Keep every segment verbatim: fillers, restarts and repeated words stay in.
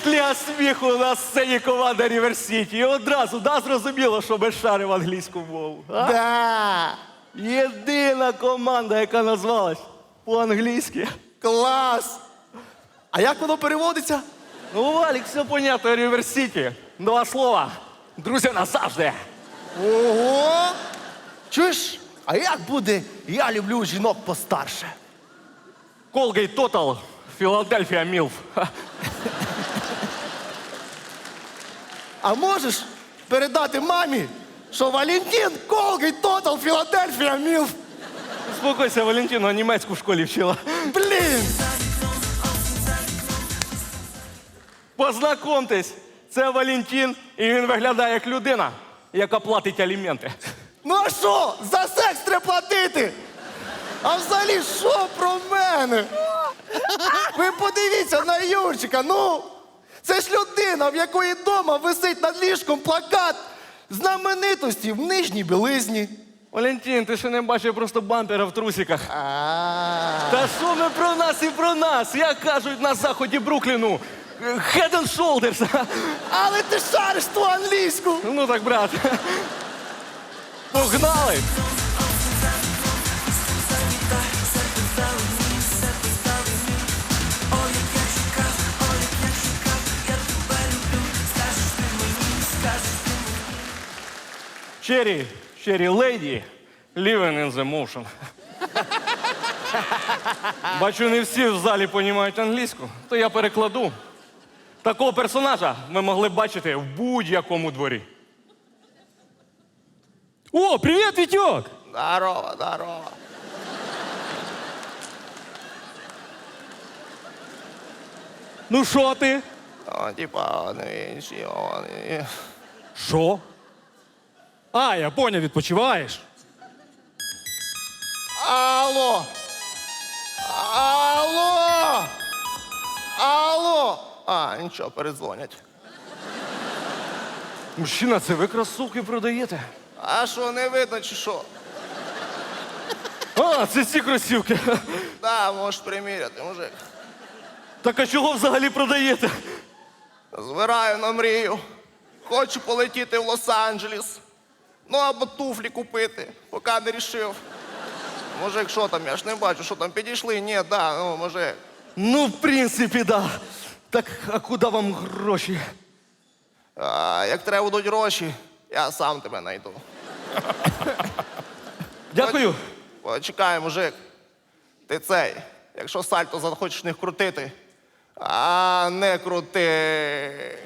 Ліга сміху на сцені команда Рівер Сіті. І одразу, да, зрозуміло, що без шарив англійську мову. А? Да! Єдина команда, яка назвалась по-англійськи. Клас! А як воно переводиться? Ну, Валік, все понятно, Рівер Сіті. Два слова. Друзі назавжди. Ого! Чуєш? А як буде «Я люблю жінок постарше»? Colgate Total, Філадельфія Мілф. А можеш передати мамі, що Валентин Колгейт Тотал Філадельфія Мілф? Успокойся, Валентина німецьку в школі вчила. Блін! Познайомтесь, це Валентин, і він виглядає як людина, яка платить аліменти. Ну а що? За секс треба платити! А взагалі, що про мене? Ви подивіться на Юрчика, ну! Це ж людина, в якої вдома висить над ліжком плакат знаменитості в нижній білизні. Валентин, ти ще не бачив просто бампера в трусиках. А-а-а. Та що ми про нас і про нас? Як кажуть на заході Брукліну? Head and shoulders. Але ти шариш ту англійську! Ну так, брат. Погнали! Cherry, Cherry Lady, living in the motion. Бачу, не всі в залі розуміють англійську, то я перекладу. Такого персонажа ви могли б бачити в будь-якому дворі. О, привет, Витек! Здорово, здорово. Ну що ти? О, типа, вони інші, вони... Що? А, я поняв, відпочиваєш. Алло! Алло! Алло! А, нічого, передзвонять. Мужчина, це ви кросівки продаєте? А що, не видно чи що? А, це ці кросівки. Да, можеш приміряти, мужик. Так а чого взагалі продаєте? Збираю на мрію. Хочу полетіти в Лос-Анджелес. Ну, або туфлі купити, поки не рішив. Мужик, що там? Я ж не бачу, що там підійшли. Ні, да, ну, мужик. Ну, в принципі, да. Так, а куди вам гроші? А, як треба будуть гроші, я сам тебе знайду. Дякую. Почекай, мужик. Ти цей, якщо сальто захочеш не крутити, а не крути.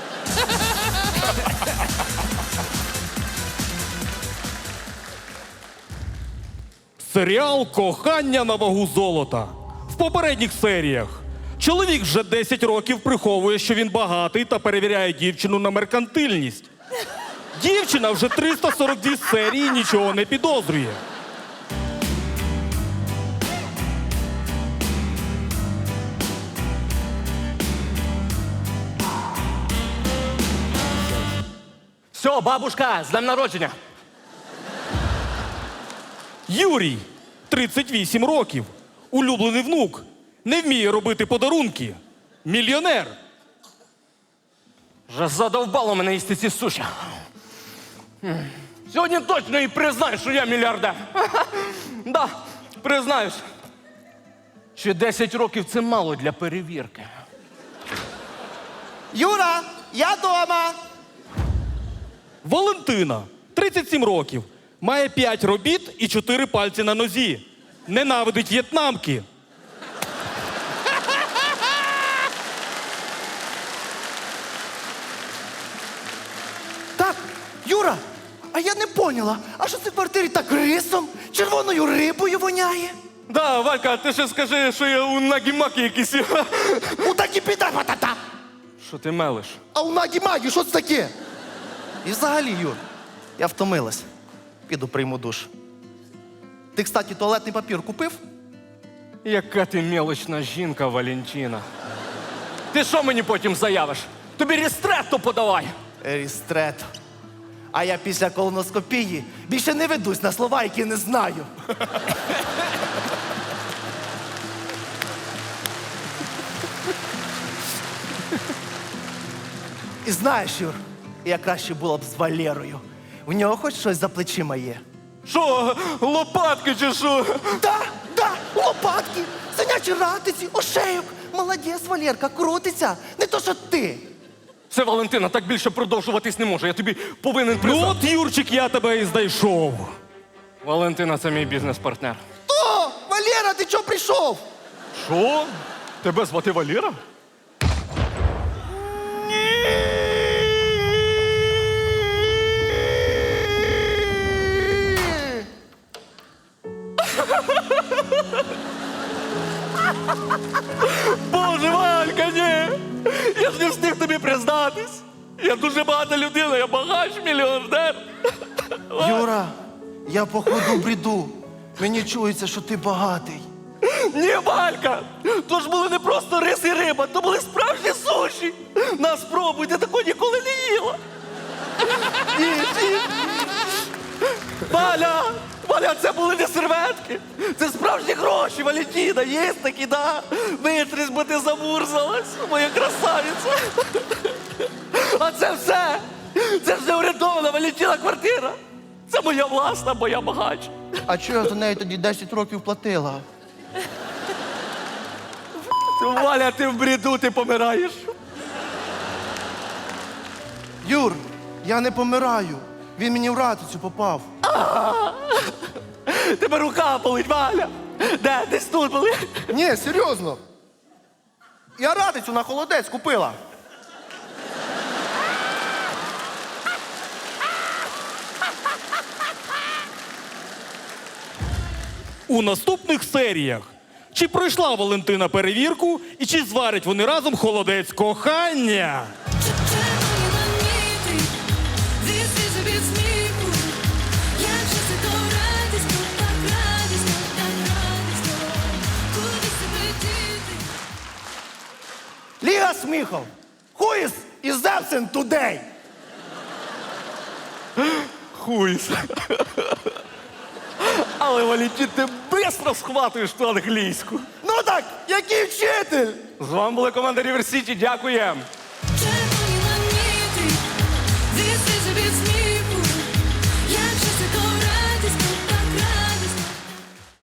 Серіал «Кохання на вагу золота». В попередніх серіях чоловік вже десять років приховує, що він багатий та перевіряє дівчину на меркантильність. Дівчина вже триста сорок дві серії нічого не підозрює. Все, бабушка, з днем народження. Юрій, тридцять вісім років, улюблений внук, не вміє робити подарунки. Мільйонер. Вже задовбало мене їсти ці суші. Сьогодні точно і признаю, що я мільярдер. Да, признаюсь. Ще десять років це мало для перевірки. Юра, я дома. Валентина, тридцять сім років, має п'ять робіт і чотири пальці на нозі. Ненавидить в'єтнамки. Так, Юра, а я не поняла, а що це в квартирі так рисом, червоною рибою воняє? Да, Валька, ти ще скажи, що я у нагі-макі якийсь. У такі піда патата. Що ти мелиш? А у нагі-магі, що це таке? І взагалі, Юр, я втомилась. Піду прийму душ. Ти, кстати, туалетний папір купив? Яка ти мелочна жінка, Валентина. Ти що мені потім заявиш? Тобі рістретто подавай. Рістрет. А я після колоноскопії більше не ведусь на слова, які не знаю. І знаєш, Юр, я краще було б з Валерою. У нього хоч щось за плечима є. Що, лопатки чи що? Да, да, лопатки, синячі ратиці, ошейок. Молодець, Валерка, крутиться. Не то, що ти. Це Валентина, так більше продовжуватись не може. Я тобі повинен Ну признати. от, Юрчик, я тебе і знайшов. Валентина це мій бізнес-партнер. О, Валера, ти чого прийшов? Що? Тебе звати Валера? Боже, Валька, ні! Я ж не встиг тобі признатись. Я дуже багата людина, я багач, мільйонер. Юра, я походу бреду. Мені чується, що ти багатий. Ні, Валька! То ж були не просто рис і риба, то були справжні суші. На, спробуй, ти такого ніколи не їла. Їж, їж. Валя! Валя, це були не серветки. Це справжні гроші, Валентина. Є такі, да? Витрись, бо ти замурзалась, моя красавиця. А це все. Це ж не урядована Валентина квартира. Це моя власна, бо я багач. А чого я за неї тоді десять років платила? Валя, ти в бреду, ти помираєш. Юр, я не помираю. Він мені в ратицю попав. Тебе рука болить, Валя. Де? Десь тут болить. Ні, серйозно. Я ратицю на холодець купила. У наступних серіях. Чи пройшла Валентина перевірку і чи зварять вони разом холодець кохання? Червоні ланіти, this is a bit сміху. Як же це то радісно, так радісно, так радісно. Куди себе діти? Ліга сміхов. Who is, is absent today? Хуйс. Але, Валентин, ти бистро схватуєш ту англійську. Ну так, який вчитель? З вами була команда River City. Дякуємо.